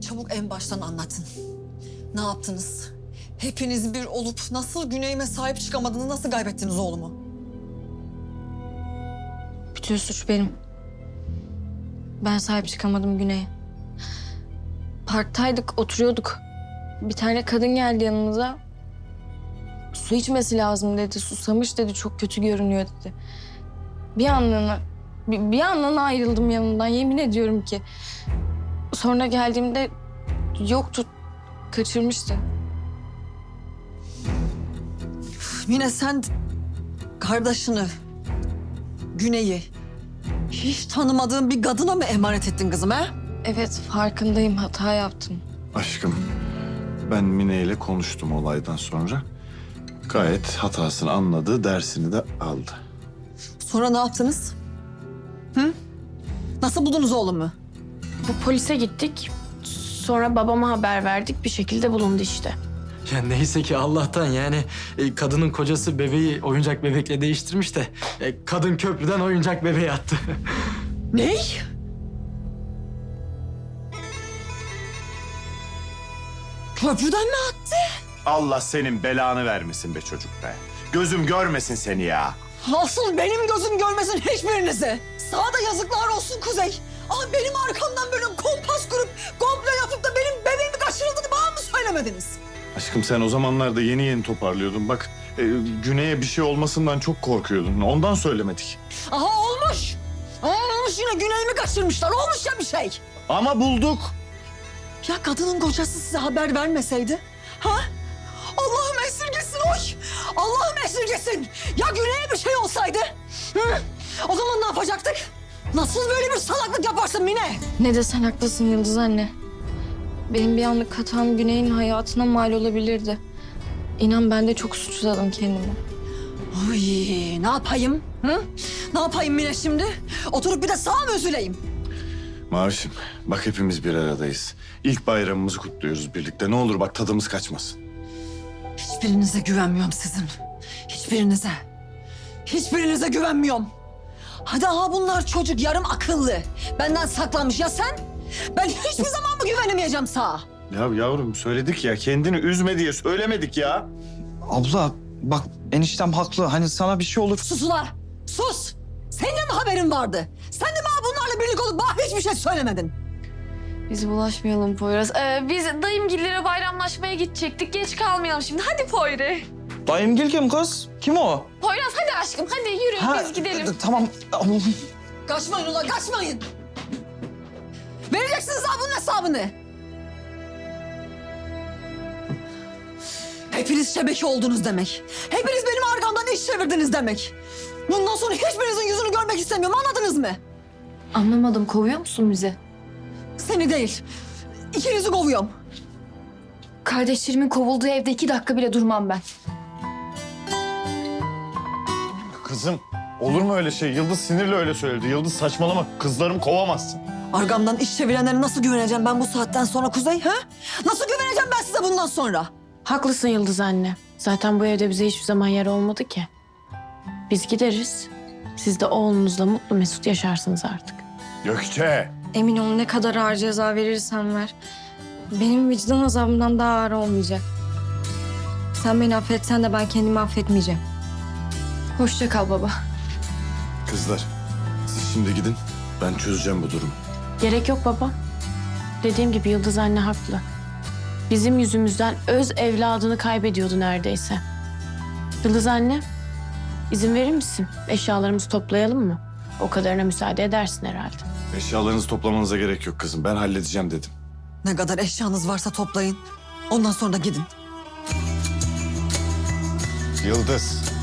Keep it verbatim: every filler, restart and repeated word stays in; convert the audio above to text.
Çabuk en baştan anlatın. Ne yaptınız? Hepiniz bir olup nasıl Güney'ime sahip çıkamadınız, nasıl kaybettiniz oğlumu? Bütün suç benim. Ben sahip çıkamadım Güney'e. Parktaydık, oturuyorduk. Bir tane kadın geldi yanımıza. Su içmesi lazım dedi, susamış dedi, çok kötü görünüyor dedi. Bir anlığına, bir, bir anlığına ayrıldım yanından, yemin ediyorum ki. Sonra geldiğimde yoktu, kaçırmıştı. Mine, sen kardeşini, Güney'i hiç tanımadığın bir kadına mı emanet ettin kızım ha? Evet, farkındayım, hata yaptım. Aşkım, ben Mine ile konuştum olaydan sonra. Gayet hatasını anladı, dersini de aldı. Sonra ne yaptınız? Hı? Nasıl buldunuz oğlumu? Bu polise gittik. Sonra babama haber verdik. Bir şekilde bulundu işte. Ya neyse ki Allah'tan yani e, kadının kocası bebeği oyuncak bebekle değiştirmiş de e, kadın köprüden oyuncak bebeği attı. Ney? Köprüden mi attı? Allah senin belanı vermesin be çocuk be. Gözüm görmesin seni ya. Asıl benim gözüm görmesin hiçbirinizi. Sana da yazıklar olsun Kuzey. Ama benim arkamdan böyle kompas kurup komple yapıp da benim bebeğimi kaçırıldığını bana mı söylemediniz? Aşkım, sen o zamanlarda yeni yeni toparlıyordun. Bak, e, Güney'e bir şey olmasından çok korkuyordun. Ondan söylemedik. Aha olmuş. Aha olmuş, yine Güney'imi kaçırmışlar. Olmuş ya bir şey. Ama bulduk. Ya kadının kocası size haber vermeseydi? Ha? Allah'ım esirgesin oy. Allah'ım esirgesin. Ya Güney'e bir şey olsaydı? Hı? O zaman ne yapacaktık? Nasıl böyle bir salaklık yaparsın Mine? Ne desen haklısın Yıldız anne. Benim bir anlık hatam Güney'in hayatına mal olabilirdi. İnan ben de çok suçladım kendimi. Oy, ne yapayım? Hı? Ne yapayım Mine şimdi? Oturup bir de sağa mı üzüleyim? Mavişim, bak hepimiz bir aradayız. İlk bayramımızı kutluyoruz birlikte. Ne olur bak, tadımız kaçmasın. Hiçbirinize güvenmiyorum sizin. Hiçbirinize. Hiçbirinize güvenmiyorum. Hadi aha bunlar çocuk, yarım akıllı. Benden saklanmış ya sen? Ben hiçbir zaman mı güvenemeyeceğim sağa? Ya yavrum, söyledik ya, kendini üzme diye söylemedik ya. Abla bak eniştem haklı. Hani sana bir şey olur. Sus ula, sus. Senin de mi haberin vardı? Sen de bana bunlarla birlik olup bana hiçbir şey söylemedin. Biz bulaşmayalım Poyraz. Ee, biz dayımgillere bayramlaşmaya gidecektik. Geç kalmayalım şimdi. Hadi Poyre. Dayımgil kim kız? Kim o? Poyraz hadi aşkım. Hadi yürü Ha, biz gidelim. Tamam. Kaçmayın ula, kaçmayın. Vereceksiniz ha bunun hesabını. Hepiniz şebeke oldunuz demek. Hepiniz benim arkamdan iş çevirdiniz demek. Bundan sonra hiçbirinizin yüzünü görmek istemiyorum, anladınız mı? Anlamadım, kovuyor musun bizi? Seni değil, ikinizi kovuyorum. Kardeşlerimin kovulduğu evde iki dakika bile durmam ben. Kızım, olur mu öyle şey? Yıldız sinirle öyle söyledi. Yıldız saçmalama, kızlarımı kovamazsın. Arkamdan iş çevirenlere nasıl güveneceğim ben bu saatten sonra Kuzey, ha? Nasıl güveneceğim ben size bundan sonra? Haklısın Yıldız anne. Zaten bu evde bize hiçbir zaman yer olmadı ki. Biz gideriz. Siz de oğlunuzla mutlu mesut yaşarsınız artık. Gökçe. Emin ol, ne kadar ağır ceza verirsen ver. Benim vicdan azabımdan daha ağır olmayacak. Sen beni affetsen de ben kendimi affetmeyeceğim. Hoşça kal baba. Kızlar, siz şimdi gidin. Ben çözeceğim bu durumu. Gerek yok baba. Dediğim gibi Yıldız anne haklı. Bizim yüzümüzden öz evladını kaybediyordu neredeyse. Yıldız anne, izin verir misin? Eşyalarımızı toplayalım mı? O kadarına müsaade edersin herhalde. Eşyalarınızı toplamanıza gerek yok kızım. Ben halledeceğim dedim. Ne kadar eşyanız varsa toplayın. Ondan sonra da gidin. Yıldız.